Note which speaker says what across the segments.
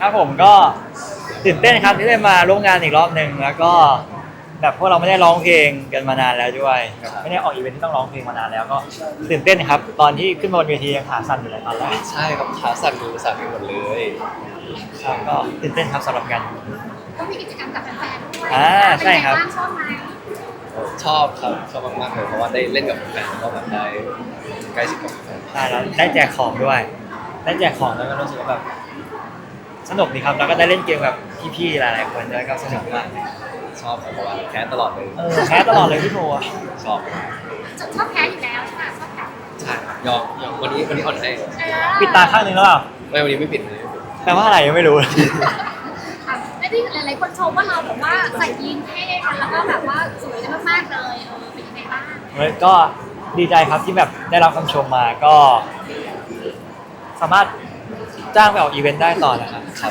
Speaker 1: ครับผมก็ตื่นเต้นครับที่ได้มาร่วมงานอีกรอบหนึ่งแล้วก็แบบพวกเราไม่ได้ร้องเพลงกันมานานแล้วด้วยแบบไม่ได้ออกอีเวนท์ที่ต้องร้องเพลงมานานแล้วก็ตื่นเต้นครับตอนที่ขึ้นมาบนเวทียังขาสั่นอยู่เลยตอนแรก
Speaker 2: ใช่ครับขาสั่นมือสั่นไปหมดเลย
Speaker 1: ครับก็ตื่นเต้นครับสำหรับงาน
Speaker 3: ก็มีกิจกรรมกับแฟนๆด้วย
Speaker 1: ใช่ครับ
Speaker 3: เป็นไงางชอบไหม
Speaker 2: ชอบครับชอบมากๆเลยเพราะว่าได้เล่นกับแฟนแล้วก็แบบได้ใกล้ชิดกับแฟน
Speaker 1: ใช่แล้วได้แจกของด้วยได้แจกของแล้วก็รู้สึกว่าแบบสนุกดีครับแล้วก็ได้เล่นเกมกับพี่ๆหลายๆคนด้วยก็สนุกมาก
Speaker 2: ชอบครับเพราะว่าแคสตลอดเลย
Speaker 1: แพ้ตลอดเลยพี่โทอะ
Speaker 2: ชอบ
Speaker 3: ชอบแพ้อยู่แล้วใช่ไหมชอบแพ้
Speaker 2: ใช่ครับยอมวันนี้อ่อนให้
Speaker 1: ปิดตาข้างหนึงแล้วเปล่า
Speaker 2: ไม่วันนี้ไม่ปิดวันนี้ไม่ปิด
Speaker 1: แปลว่าอะไรยังไม่รู้
Speaker 3: ไม่ได้หลายๆคนชมว่าเราแบบว่าใส่ยีนเท่กันแล้วก็แบบว่าสวยกันมากๆเลยเป็นยังไงบ้าง
Speaker 1: ก็ดีใจครับที่แบบได้รับคำชมมาก็ สามารถจ้างไปออกอีเวนต์ได้ต่อนะครับ
Speaker 2: ครับ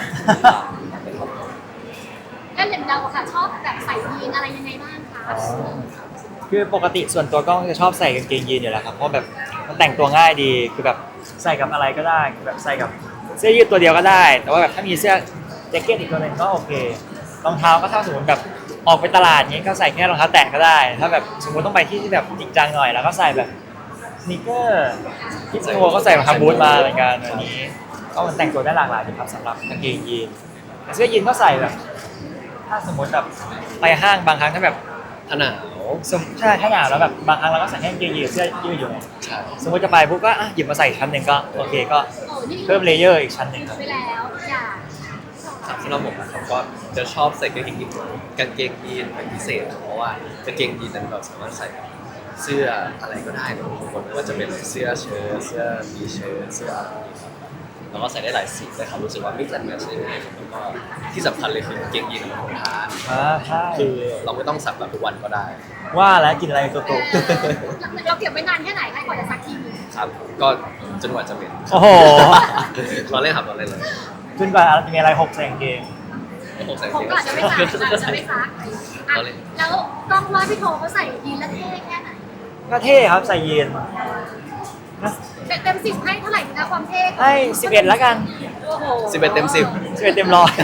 Speaker 3: แล้วอย่างเราอะค่ะชอบแบบใส่ยีนอะไรยังไงบ้างคะ
Speaker 1: คือปกติส่วนตัวก็จะชอบใส่กางเกงยีนอยู่แล้วครับเพราะแบบมันแต่งตัวง่ายดีคือแบบใส่กับอะไรก็ได้คือแบบใส่กับเสื้อยืดตัวเดียวก็ได้ แต่ว่าแบบถ้ามีเสื้อแจ็คเก็ตอีกตัวหนึงก็โอเครองเท้าก็ถ้าสมมติแบบออกไปตลาดนี้ก็ใส่แค่รองเท้าแตะก็ได้ ถ้าแบบสมมติต้องไปที่ที่แบบจริงจังหน่อยแล้วก็ใส่แบบสนีกเกอร์ที่โก็ใส่รองเท้าบูทมาเหมือนกันวันนี้ก็มันแต่งตัวได้หลากหลายดีครับสำหรับกางเกงยีนแต่เสื้อยีนก็ใส่แบบ ถ้าสมมติแบบไปห้างบางครั้งถ้าแบบ
Speaker 2: ถ้าหนาว
Speaker 1: ใช่ถ้าหนาวแล้วแบบบางครั้งเราก็ใส่แค่กางเกงยีนเสื้อยืดอยู่ไง
Speaker 2: ใช่
Speaker 1: สมมติจะไปปุ๊บก็หยิบมาใส่ชั้นหนึ่งก็โอเคก็
Speaker 3: โอ้นี่
Speaker 1: เพิ่มเลเยอร์อีกชั้นหนึ่งครับ
Speaker 3: ไปแล้วอย่า
Speaker 2: ครับสำหรับผมนะครับก็จะชอบใส่กางเกงยีนเป็นพิเศษเพราะว่ากางเกงยีนนั้นเราสามารถใส่กับเสื้ออะไรก็ได้นะทุกคนไม่ว่าจะเป็นเสื้อเชิ้ตเสื้อมีเชิ้ตเสื้ออะไรครับแล้วก็ใส่ได้หลายสีเลยครับรู้สึกว่ามิกซ์แอนด์แมทช์ได้ง่ายแล้วก็ที่สำคัญเลยคือกางเกงยีนมันทนทาน
Speaker 1: ใช่
Speaker 2: คือเราไม่ต้องสักแบบทุกวันก็ได้
Speaker 1: ว่าแล้วกินอะไรตัวโต
Speaker 3: เราเก็บไว้นานแค่ไหนคะกว่าจะซักทีนึง
Speaker 2: ครับก็จนกว่าจะเป็น
Speaker 1: โอ้โห
Speaker 2: เราเล่นครับเราเล่นเลย
Speaker 1: ขึ้นไปจะมีอะไรหกใส่กางเกง
Speaker 2: ผมใส่
Speaker 3: ผม
Speaker 2: เกง
Speaker 3: ก็อาจจะไม่ซักอาจจะไม่ซักอ่ะแล้วต้องว่าพี่โทเขาใส่ยีนแล้วเท่แค่ไหน
Speaker 1: ก็เท่ครับใส่ยีน
Speaker 3: เต็ม10ให้เท่าไหร่คะความเท่
Speaker 1: ให้11แล้วกัน
Speaker 3: โอ้โห
Speaker 2: 11 เต็ม 10
Speaker 1: 11เต็มร้อย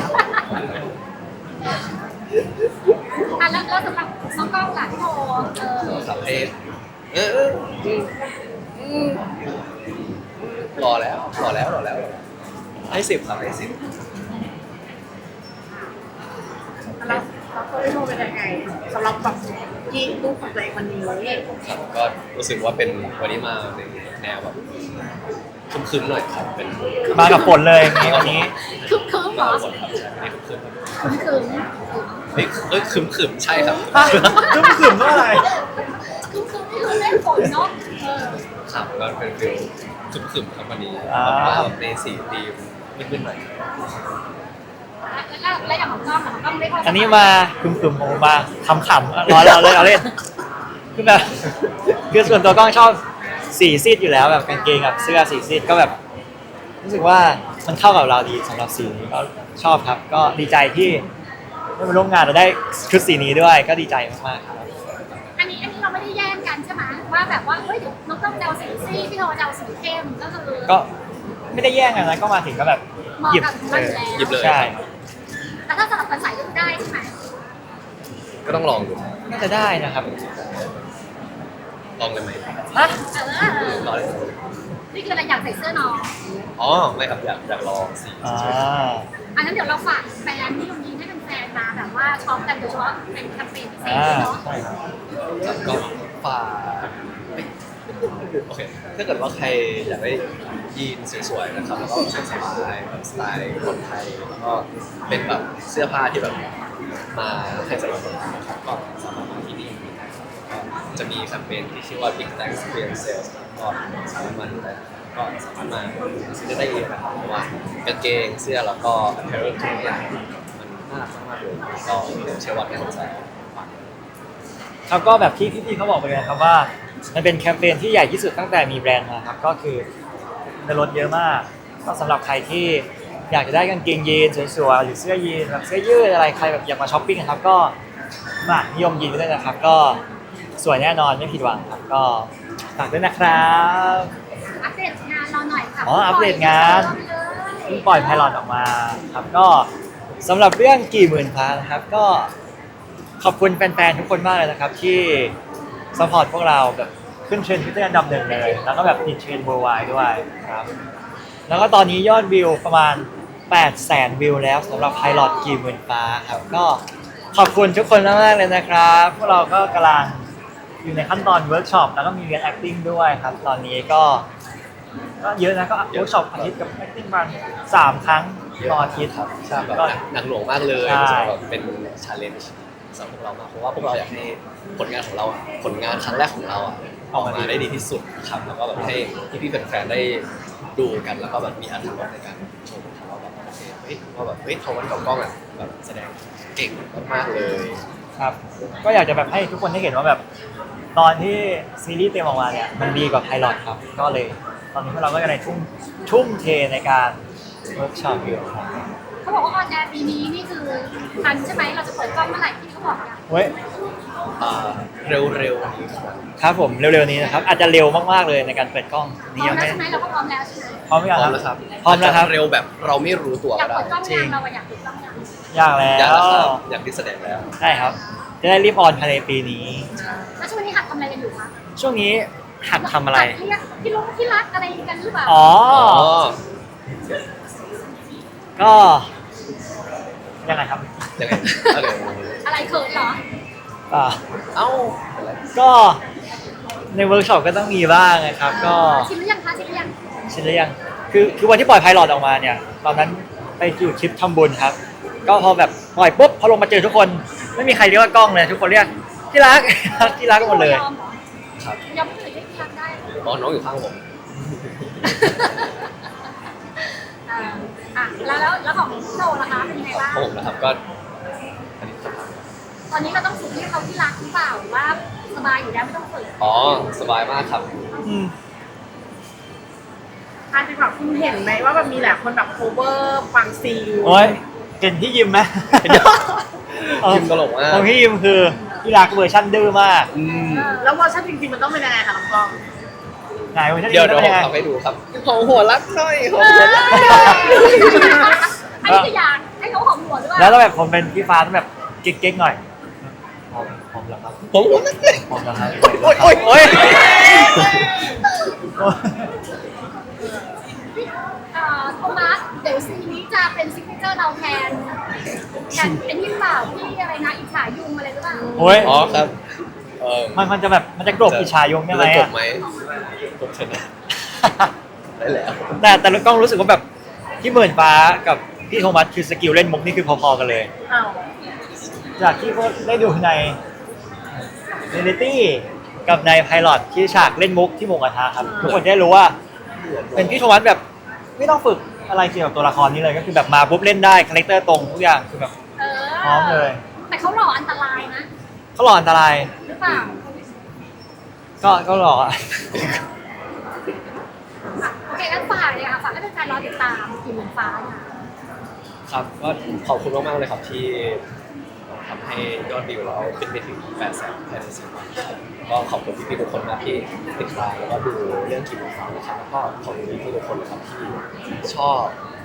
Speaker 3: อ่ะแล้วสำหรับน้องกล้องล่ะพี่โท
Speaker 2: ครับให้รอแล้วให้10ครับให้10
Speaker 4: แล้วตัวพี่โทเป็นยังไงสำหรับแบบยี่ลูกของตัวเองวันนี้
Speaker 2: ครับก็รู้สึกว่าเป็นวันนี้มาในแนวแบบคึมๆหน่อยครับเป็น
Speaker 1: มากับฝนเลยอย่างงี้วันนี้
Speaker 3: คึมคึมเหรอ
Speaker 2: ฝนครับใช่ไม่คึมๆ
Speaker 3: คึมคึม
Speaker 2: เฮ้ยคึมๆใช่ครับ
Speaker 1: จุ๊บขึมว่าอะไร
Speaker 3: คึมคึมนี่คือเล่นฝนเนาะ
Speaker 2: ครับก็เป็นฟิลคึมๆครับวันนี้
Speaker 1: อ่า
Speaker 2: แบบในสีธีมมืดๆหน่อย
Speaker 3: แล้วอย่างของกล้องล่ะของกล้องได้เข้า
Speaker 1: อันนี้มาขึมๆผมมาขำๆร้อนเราเลยเอาเล่นคือแบบคือส่วนตัวกล้องชอบสีซีดอยู่แล้วแบบกางเกงกับเสื้อสีซีดก็แบบ รู้สึกว่ามันเข้ากับเราดีสำหรับสีนี้ก็ชอบครับ ก็ดีใจที่ได้มาร่วมงานเราได้ชุดสีนี้ด้วย ก็ดีใจมากๆครับ
Speaker 3: อันนี้เราไม่ได้แย่งกันใช่ไหมว่าแบบว่าเฮ้ยน้องกล้องจะเอาสีซีดพี่โทจะเอาสีเข้มก็คือ
Speaker 1: ก็ไม่ได้แย่งกันนะก็มาถึงก็แบบหยิบ
Speaker 3: เหมาะกับมันอยู่แล้ว
Speaker 2: หยิบเลย
Speaker 1: ใช่
Speaker 3: แต่ถ้าสลับกันใส่ก็ได้ใช่ไหม
Speaker 2: ก็ต้องลองดู
Speaker 1: น่าจะได้นะครับ
Speaker 2: ลองเลยไหม
Speaker 1: ฮะ
Speaker 2: ลองเลย
Speaker 3: นี่คืออะไรอยากใส่เสื้อน้อง
Speaker 2: อ๋อไม่ครับอยากลองสี
Speaker 1: อ่า
Speaker 3: อันนั้นเดี๋ยวเราฝากแฟนที่ตรงนี้ให้เป็นแฟนมาแบบว่าช็อปกันโดยเฉพาะเป็นแคมเปญพิเศษเนาะ
Speaker 1: ใช่ครับ
Speaker 2: ครับก็ฝากโอเคถ้าเกิดว่าใครอยากได้ยีนสวยๆนะครับแล้วก็สบายๆแบบสไตล์คนไทยแล้วก็เป็นแบบเสื้อผ้าที่แบบมาให้ใส่คนนะครับก็สามารถมาที่นี่ได้ครับก็จะมีแคมเปญที่ชื่อว่า Big Thanks Clearance Sales ก็สามารถมาดูได้ก็สามารถมาซื้อได้เองนะครับเพราะว่ากางเกงเสื้อแล้วก็ apparel ทุกอย่างมันน่ารักมากๆเลยก็เชื่อว่าทุกคนจะฝาก
Speaker 1: แล้วก็แบบที่พี่ๆเขาบอกไปเลยครับว่ามันเป็นแคมเปญที่ใหญ่ที่สุดตั้งแต่มีแบรนด์มาครับก็คือจะลดเยอะมากก็สำหรับใครที่อยากจะได้กางเกงยีนสวยๆหรือเสื้อยีนแบบเสื้อยืดอะไรใครแบบอยากมาช้อปปิ้งนะครับก็มานิยมยีนด้วยนะครับก็สวยแน่นอนไม่ผิดหวังครับก็ฝากด้วยนะครับ
Speaker 3: อัปเดตงานเราหน่อยค่ะ
Speaker 1: อ๋ออัปเดตงาน
Speaker 3: เลย
Speaker 1: พิ่งปล่อยไพลอตออกมาครับก็สำหรับเรื่องกี่หมื่นฟ้านะครับก็ขอบคุณแฟนๆทุกคนมากเลยนะครับที่สปอร์ตพวกเราแบบขึ้นเทรนด์ทวิตเตอร์อันดับ 1เลยแล้วก็แบบติดเทรนด์ worldwide ด้วยครับแล้วก็ตอนนี้ยอดวิวประมาณ 800,000 วิวแล้วสำหรับไพลอตกี่หมื่นฟ้าครับก็ขอบคุณทุกคนมากๆเลยนะครับพวกเราก็กำลังอยู่ในขั้นตอนเวิร์กช็อปแล้วก็มีเรียน acting ด้วยครับตอนนี้ก็เยอะนะก็เวิร์กช็อปอาทิตย์กับ acting ประมาณ3 ครั้งต่ออาทิตย์
Speaker 2: ครับใช่แบบ
Speaker 1: ก็
Speaker 2: หนักหน่วงมากเลย
Speaker 1: ใช่
Speaker 2: แบบเป็นชาเลนจ์สำหรับพวกเรามากเพราะว่าพวกเราอยากให้ผลงานของเราอะผลงานครั้งแรกของเราอะออกมาได้ดีที่สุดครับแล้วก็แบบให้พี่ๆแฟนๆได้ดูกันแล้วก็แบบมีอรรถรสในการชมครับว่าแบบโอเคเฮ้ยว่าแบบเฮ้ยเขาวันกับกล้องอะแบบแสดงเก่งมากๆเลย
Speaker 1: ครับก็อยากจะแบบให้ทุกคนได้เห็นว่าแบบตอนที่ซีรีส์เต็มออกมาเนี่ยมันดีกว่าไพลอตครับก็เลยตอนนี้พวกเราก็จะในทุ่มเทในการเวิร์กช็อปอยู่ครับ
Speaker 3: เขาบอกว่าออนแอร์ปีนี้นี่คือทันใช่ไหมเราจะเปิดกล้องเมื่อไหร่ที่เขาบอกกัน
Speaker 1: เว้ย
Speaker 2: เร็วๆนี้ครับ
Speaker 1: ครับผมเร็วๆนี้นะครับอาจจะเร็วมากๆเลยในการเปิดกล้อง
Speaker 3: พ
Speaker 1: นี่
Speaker 3: ร้อ
Speaker 1: ยั
Speaker 3: ม
Speaker 1: ง
Speaker 3: แล้ว
Speaker 1: ไม่
Speaker 3: ใช่ไหมเราก็พร้อมแล้วใช่ไหม
Speaker 1: พร้อมหรือ
Speaker 2: พ
Speaker 1: ยัง
Speaker 2: ร้อม
Speaker 1: ค
Speaker 2: แล้
Speaker 1: รับ
Speaker 2: วครับ
Speaker 1: พร้อมแล้วครับ
Speaker 2: าจจะเร็วแบบเราไม่รู้ตัว
Speaker 3: อยา
Speaker 2: ก็
Speaker 3: ก
Speaker 2: ได้
Speaker 3: เปิดกล้องยังเราอะอยากเปิดกล้องยัง
Speaker 1: อยากแล้
Speaker 2: อยากแล้วครั
Speaker 1: ว
Speaker 2: บอยากที่แสดงแล้ว
Speaker 1: ใช่ครับจะได้รีบออนภายในปีนี้
Speaker 3: แล้วช่วงนี้หัดทำอะไรกันอยู่คะ
Speaker 1: ช่วงนี้หัดทำอะไร
Speaker 3: หัดเรียกพี่ลุงพี่รักอะไรกันหรือเปล่า
Speaker 1: อ๋อก็ยังไงครับ
Speaker 2: ยังไงอะไร
Speaker 3: อะไรเขินเหรอ
Speaker 1: อ่า
Speaker 2: เอ้าอะไร
Speaker 1: ก็ในเวิร์กช็อปก็ต้องมีบ้างนะครับก็
Speaker 3: ชิมหรือยังคะชิมหรือยัง
Speaker 1: ชินหรือยังคือวันที่ปล่อยไพลอตออกมาเนี่ย ตอนนั้นไปอยู่ทริปทำบุญครับ ก็พอแบบปล่อยปุ๊บพอลงมาเจอทุกคน ไม่มีใครเรียกว่ากล้องเลย ทุกคนเรียกที่รัก ที่รักกันหมดเลย
Speaker 3: ยอมเหรอ
Speaker 2: ครับ
Speaker 3: ยอมไม่เคยเรียกที่รักได้
Speaker 2: อ๋อน้องอยู่ข้างผม
Speaker 3: แล้วของโชว์ล่ะคะเป็นยังไงบ้าง
Speaker 2: ของผมนะครับก็อันนี้ครับ
Speaker 3: ตอนนี้เราต้องฝึกให้เขาที่รักหรือเปล่าหรือว่าสบายอยู่แล้วไม่ต้องฝึก
Speaker 2: อ๋อสบายมากครับ
Speaker 1: อืม
Speaker 4: อันที่แบบคุณเห็นไหมว่าแบบมีหลายคนแบบโคเวอร์ฟังซีล
Speaker 1: โอ้ยเห็นที่ยิมไหม
Speaker 2: ยิมตลกมาก
Speaker 1: ของพี่ยิมคือที่รักเวอร์ชันดื้อมาก
Speaker 2: อืม
Speaker 4: แล้วเวอร์ชันจริงๆมันต้องเป็นยังไงคะน้องกล้อง
Speaker 1: ไหนเวอร์ชัน
Speaker 2: เดี๋ยว
Speaker 1: ดื้อ
Speaker 2: ผ
Speaker 1: เป็น
Speaker 2: ม
Speaker 1: ยังไง
Speaker 2: ทำให้ดูครับของหัวรักหน่อยของ
Speaker 3: เอ
Speaker 2: หัว
Speaker 3: อ
Speaker 2: รัก
Speaker 3: อันนี้คืออยากให้เขาหอมหัวด้วย
Speaker 1: แล้วต้องแบบผมเป็นพี่ฟ้าต้องแบบเก๊กๆหน่อยผมเหรอครับ
Speaker 2: ผมหัวรักเลย
Speaker 1: ผมเหรอครับ
Speaker 2: โอ๊ยโอ๊ยโอ๊ย
Speaker 3: โทมัสเดี๋ยวซีนนี้จะเป็นซิกเนเจอร์เราแทนกันเป็นที่เปล่าที่อะไรนะอิจฉายุงอะไรหรือเปล่า
Speaker 1: โอ้ย
Speaker 2: อ๋อครับ
Speaker 1: มันจะแบบมันจะกลบอิชายงใช่ไหม
Speaker 2: จะจ
Speaker 1: อะ
Speaker 2: บไหมจบชนะได้แล้ว
Speaker 1: แต่กล้องรู้สึกว่าแบบพี่หมื่นฟ้ากับพี่โทมัสคือสกิลเล่นมุกนี่คือพอๆกันเลย
Speaker 4: อ้าว
Speaker 1: จากที่เขาได้ดูในเรลิตี้กับในไพลอตที่ฉากเล่นมุกที่หมูกระทะครับทุกคนได้รู้ว่า เป็นพี่โทมัสแบบไม่ต้องฝึกอะไรเกี่ยวกับตัวละครนี้เลยก็คือแบบมาปุ๊บเล่นได้คาแรคเตอร์ตรงทุกอย่างคือแบบ
Speaker 3: เออ
Speaker 1: พร้อมเลย
Speaker 3: แต่เขาหล่ออันตรายนะ
Speaker 1: เขาหล่ออันตราย
Speaker 3: หรือเปล่า
Speaker 1: ก็หล่ออะ
Speaker 3: โอเคงั้นฝากเลยค่ะฝากให้แฟนๆรอติดตามกี่หมื่นฟ้าค่ะ
Speaker 2: ครับก็ขอบคุณมากๆเลยครับที่ทำให้ยอดวิวเราขึ้นไปถึง 800,000 ภายใน10 วันครับก็ขอบคุณพี่ๆทุกคนมากที่ติดตามแล้วก็ดูเรื่องกิมฟ้านะครับแล้วก็ขอบคุณพี่ๆทุกคนนะครับที่ชอบ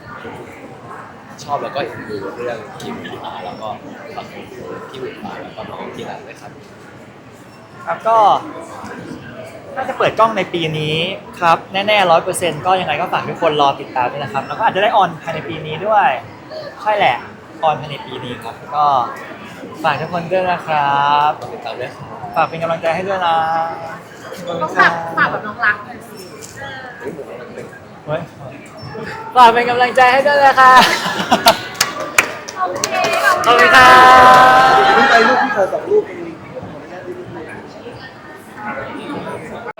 Speaker 2: แล้วก็เอ็นดูเรื่องกิมฟ้าแล้วก็ฝากพี่บุญฟ้าแล้วก็น้องที่รักเลยครับ
Speaker 1: ครับก็น่าจะเปิดกล้องในปีนี้ครับแน่ๆ100%ก็ยังไงก็ฝากทุกคนรอติดตามด้วยนะครับแล้วก็อาจจะได้ออนภายในปีนี้ด้วยใช่แหละออนภายในปีนี้ครับก็ฝากทุกคนด้วยนะครับ
Speaker 2: ติดตามด้วยครับ
Speaker 1: ฝากเป็นกำลังใจให้ด้วยนะ
Speaker 4: ต้องแบบฝากแบบน้องรักหน่อยสิ
Speaker 1: เฮ้ยฝากเป็นกำลังใจให้ด้วยนะคะ
Speaker 3: โอเค
Speaker 1: ขอบคุณครับ
Speaker 5: ไปลูกพี่ขอ2 ลูกเอง